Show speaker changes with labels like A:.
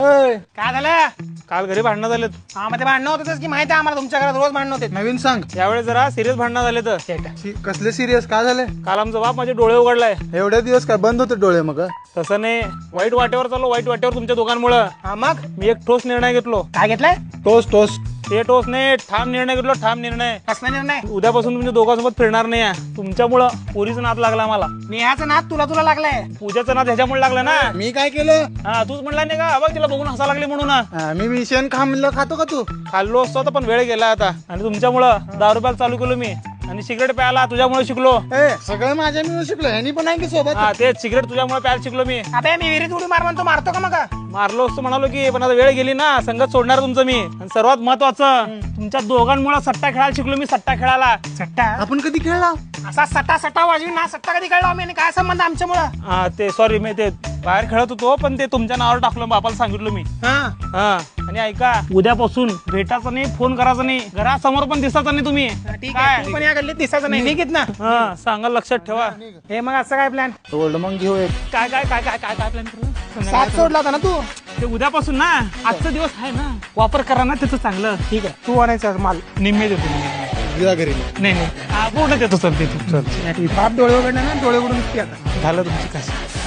A: काय झालं?
B: काल घरी भांडणं झालेत.
A: हा मध्ये भांडणं होतच की माहिती आहे आम्हाला, तुमच्या घरात रोज भांडणं होते.
C: नवीन सांग.
B: यावेळेस जरा सिरियस भांडणं झाले तर.
C: कसले सिरियस काय झाले?
B: काल आमचा बाप माझे डोळे उघडलाय.
C: एवढे दिवस काय बंद होते डोळे मग?
B: तसं नाही, वाईट वाटेवर चाललो, वाईट वाटेवर तुमच्या दोघांमुळं.
A: हा मग
B: मी एक ठोस निर्णय घेतलो.
A: काय घेतलंय?
C: टोस टोस.
B: ते ठोस नाही, ठाम निर्णय घेतलो, ठाम निर्णय.
A: कसला निर्णय?
B: उद्यापासून तुमच्या दोघांसोबत फिरणार नाही आहे. तुमच्यामुळं पुरीचा नाद लागला मला.
A: नेहाचं नाद तुला तुला लागलाय.
B: पूजाचं नाद ह्याच्यामुळे लागलं ना.
C: मी काय केलं?
B: हा तूच म्हणला नाही का, बघ तिला बघून हसा लागली म्हणून.
C: मी मिशन खाल्लं खातो का तू?
B: खाल्लो असतो तर पण वेळ गेला आता. आणि तुमच्यामुळं दारू प्यायला चालू केलो मी, आणि सिगरेट प्यायला तुझ्यामुळे शिकलो.
C: सगळं माझ्या मिळून शिकलो. ह्यानी पण आहे की सोबत?
B: हा तेच, सिगरेट तुझ्यामुळे प्यायला शिकलो मी.
A: अबे मी विहिरीत उडी मार म्हणतो, मारतो का मग?
B: मारलो असतो म्हणालो की, पण आता वेळ गेली ना, संगत सोडणार तुमचं मी. आणि सर्वात महत्वाचं, तुमच्या दोघांमुळे सट्टा खेळायला शिकलो मी, सट्टा खेळायला.
A: सट्टा?
C: आपण कधी खेळला?
A: असा सट्टा सट्टा वाजवी ना, सट्टा कधी कळला आम्ही? आणि काय संबंध आमच्यामुळं?
B: हा ते सॉरी, मी ते बाहेर खेळत होतो, पण ते तुमच्या नावावर टाकलं, बापाला सांगितलं मी. हा आणि ऐका, उद्यापासून भेटायचं नाही, फोन करायचं नाही, घरासमोर पण दिसायचं नाही तुम्ही.
A: ठीक आहे, तू पण या गल्लीत दिसायचं नाही, निघित ना.
B: हा सांगा, लक्षात ठेवा.
A: हे मग असं काय प्लॅन?
C: ओल्ड मग घेऊ एक.
B: काय काय काय काय काय काय प्लॅन करू?
A: साथ सोडला होता ना तू?
B: ते उद्यापासून ना, आजचा दिवस आहे ना, वापर करा ना त्याचं चांगलं.
A: ठीक आहे, तू आणायचा माल
B: निम्मे देतो.
C: गिरा घरी.
B: नाही नाही, हा पूर्ण देतो सर, देतो.
A: बाप डोळे उघडले ना, डोळे उघडून आता
B: झालं तुमची कसं.